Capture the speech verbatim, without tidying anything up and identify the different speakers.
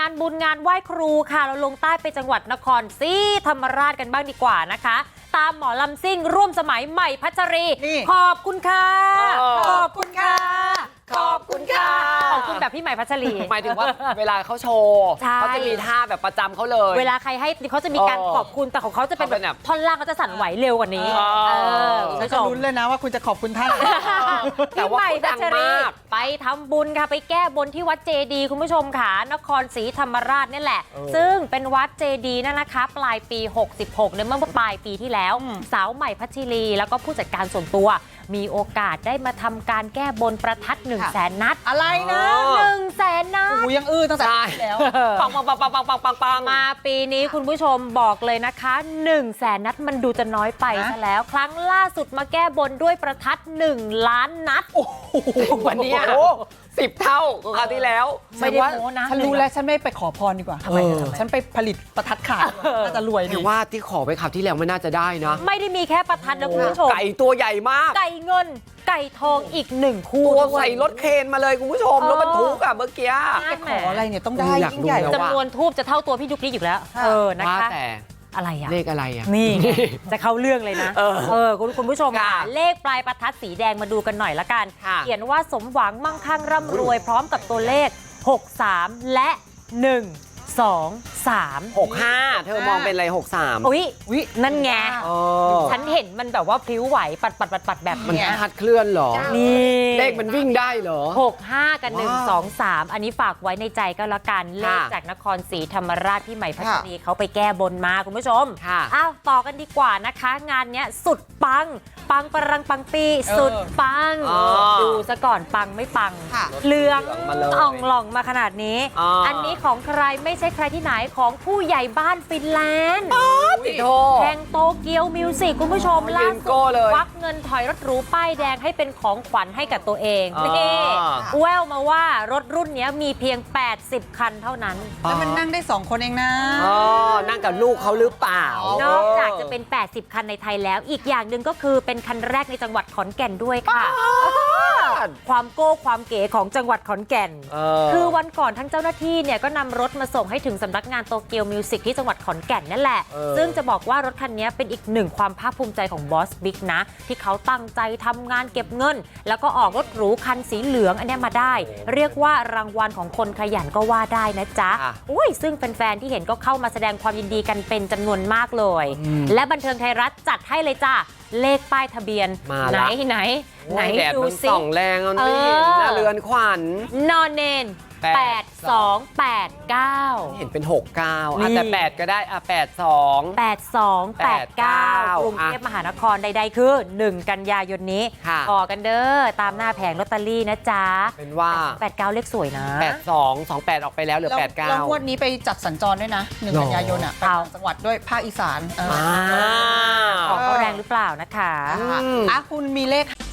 Speaker 1: านบุญงานไหว้ครูค่ะเราลงใต้ไปจังหวัดนครศรีธรรมราชกันบ้างดีกว่านะคะตามหมอลำซิ่งร่วมสมัยใหม่พัชรีขอบคุณค่ะขอบคุณค่ะขอบคุณค่ะขอบคุณแบบพี่ใหม่พัชรี
Speaker 2: หมายถึงว่าเวลาเขาโชว์เขาจะมีท่าแบบประจำเขาเลย
Speaker 1: เวลาใครให้เขาจะมีการขอบคุณแต่ของเขาจะเป็นแบบท่อนล่างเขาจะสั่นไหวเร็วกว่านี้
Speaker 3: ฉันจะลุ้นเลยนะว่าคุณจะขอบคุณท่าน
Speaker 1: พี่ใหม่พัชรีไปทำบุญค่ะไปแก้บนที่วัดเจดีย์คุณผู้ชมค่ะนครศรีธรรมราชนี่แหละซึ่งเป็นวัดเจดีย์นั่นนะคะปลายปีหกสิบหกเนี่ยเมื่อปลายปีที่แล้วสาวใหม่พัชรีแล้วก็ผู้จัดการส่วนตัวมีโอกาสได้มาทำการแก้บนประทัดหนึ่งแสนนัด
Speaker 3: อะไรนะ
Speaker 1: หนึ่งแสนนัด
Speaker 3: หูยังอื้อตั้งแต่แล้ว
Speaker 2: ปังปังปังปังปังปังปังปัง
Speaker 1: มาปีนี้คุณผู้ชมบอกเลยนะคะหนึ่งแสนนัดมันดูจะน้อยไปซะแล้วครั้งล่าสุดมาแก้บนด้วยประทัดหนึ่งล้านนัด
Speaker 2: วันนี้สิบเท่าของคราวที่แล้ว
Speaker 1: ไม่ได้โม้นะ
Speaker 3: ฉันรู้แล้วฉันไม่ไปขอพรดีกว่าทำไมฉันไปผลิตประทัดขายน่าจะรวยดี
Speaker 2: ว่าที่ขอไปคราวที่แล้วไม่น่าจะได้นะ
Speaker 1: ไม่ได้มีแค่ประทัดนะคุณผู้ชม
Speaker 2: ไก่ตัวใหญ่มาก
Speaker 1: ไก่เงินไก่ทองอีกหนึ่งคู่
Speaker 2: ตัวใส่รถเคนมาเลยคุณผู้ชมรถบรรทุกอะเมื่อกี้
Speaker 3: จะขออะไรเนี่ยต้องได้ยิ่งใหญ่
Speaker 1: จำนวนทูบจะเท่าตัวพี่ยุกนี้อยู่แล้วเออนะคะอะไรอะ
Speaker 2: เลขอะไรอะ
Speaker 1: นี่จะเข้าเรื่องเลยนะเออคุณคุณผู้ชมค่ะเลขปลายประทัดสีแดงมาดูกันหน่อยละกันเขียนว่าสมหวังมั่งคั่งร่ำรวยพร้อมกับตัวเลขหกสามและหนึ่งสองสาม
Speaker 2: หกห้าเธอมองเป็นอะไรหกสาม
Speaker 1: อุ้ยอุ้ยนั่นไงฉันเห็นมันแบบว่าพลิ้วไหวปัดปัดปัดปัดแบบ
Speaker 2: มันพัดเคลื่อนหรอ
Speaker 1: นี่
Speaker 2: เลขมันวิ่งได้เหรอ
Speaker 1: หกห้ากับหนึ่งสองสามอันนี้ฝากไว้ในใจก็แล้วกันเลขจากนครศรีธรรมราชพี่ใหม่พัชรีเขาไปแก้บนมาคุณผู้ชมอ้าวต่อกันดีกว่านะคะงานเนี้ยสุดปังปังปรังปังปีสุดปังดูซะก่อนปังไม่ปังเหลืองอ่องหล่องมาขนาดนี้อันนี้ของใครไม่ใช่ใครที่ไหนของผู้ใหญ่บ้านฟินแลนด์แห่งโตเกียวมิวสิกคุณผู้ชมล่าสุดควักเงินถอยรถหรูป้ายแดงให้เป็นของขวัญให้กับตัวเองนี่แววมาว่ารถรุ่นนี้มีเพียงแปดสิบคันเท่านั้น
Speaker 3: แล้วมันนั่งได้สองคนเองนะ
Speaker 2: นั่งกับลูกเขาหรือเปล่าน
Speaker 1: อกจากจะเป็นแปดสิบคันในไทยแล้วอีกอย่างหนึ่งก็คือเป็นคันแรกในจังหวัดขอนแก่นด้วยค่ะความโก้ความเก๋ของจังหวัดขอนแก่นคือวันก่อนทั้งเจ้าหน้าที่เนี่ยก็นำรถมาส่งให้ถึงสำนักงานโตเกียวมิวสิกที่จังหวัดขอนแก่นนั่นแหละซึ่งจะบอกว่ารถคันนี้เป็นอีกหนึ่งความภาคภูมิใจของบอสบิ๊กนะที่เขาตั้งใจทำงานเก็บเงินแล้วก็ออกรถหรูคันสีเหลืองอันนี้มาได้เรียกว่ารางวัลของคนขยันก็ว่าได้นะจ๊ะอุ้ยซึ่งแฟนๆที่เห็นก็เข้ามาแสดงความยินดีกันเป็นจำนวนมากเลยและบันเทิงไทยรัฐจัดให้เลยจ้าเลขป้ายทะเบียนไหนไหนไหนดูสิ
Speaker 2: ส่องแรงเอานี่หน้าเรือนขวัญ
Speaker 1: นอนเนนแปดสองแปดเก้า
Speaker 2: เห็นเป็นหกเก้าอ่ะแต่แปดก็ได้อ่ะแปดสอง
Speaker 1: แปดสองแปดเก้ากรุงเทพมหานครใดๆคือหนึ่งกันยายนนี้ต่อกันเด้อตามหน้าแผงลอตเตอรี่นะจ๊ะ
Speaker 2: เป็นว่า
Speaker 1: แปดเก้าเลขสวยนะ
Speaker 2: แปดสองสองแปดออกไปแล้วเหลือแปดเก้า
Speaker 3: แล้วงวดนี้ไปจัดสัญจรด้วยนะหนึ่งกันยายนอ่ะไปจังหวัดด้วยภาคอีสาน
Speaker 1: ของเขาแรงหรือเปล่านะคะ
Speaker 3: อ่ะคุณมีเลข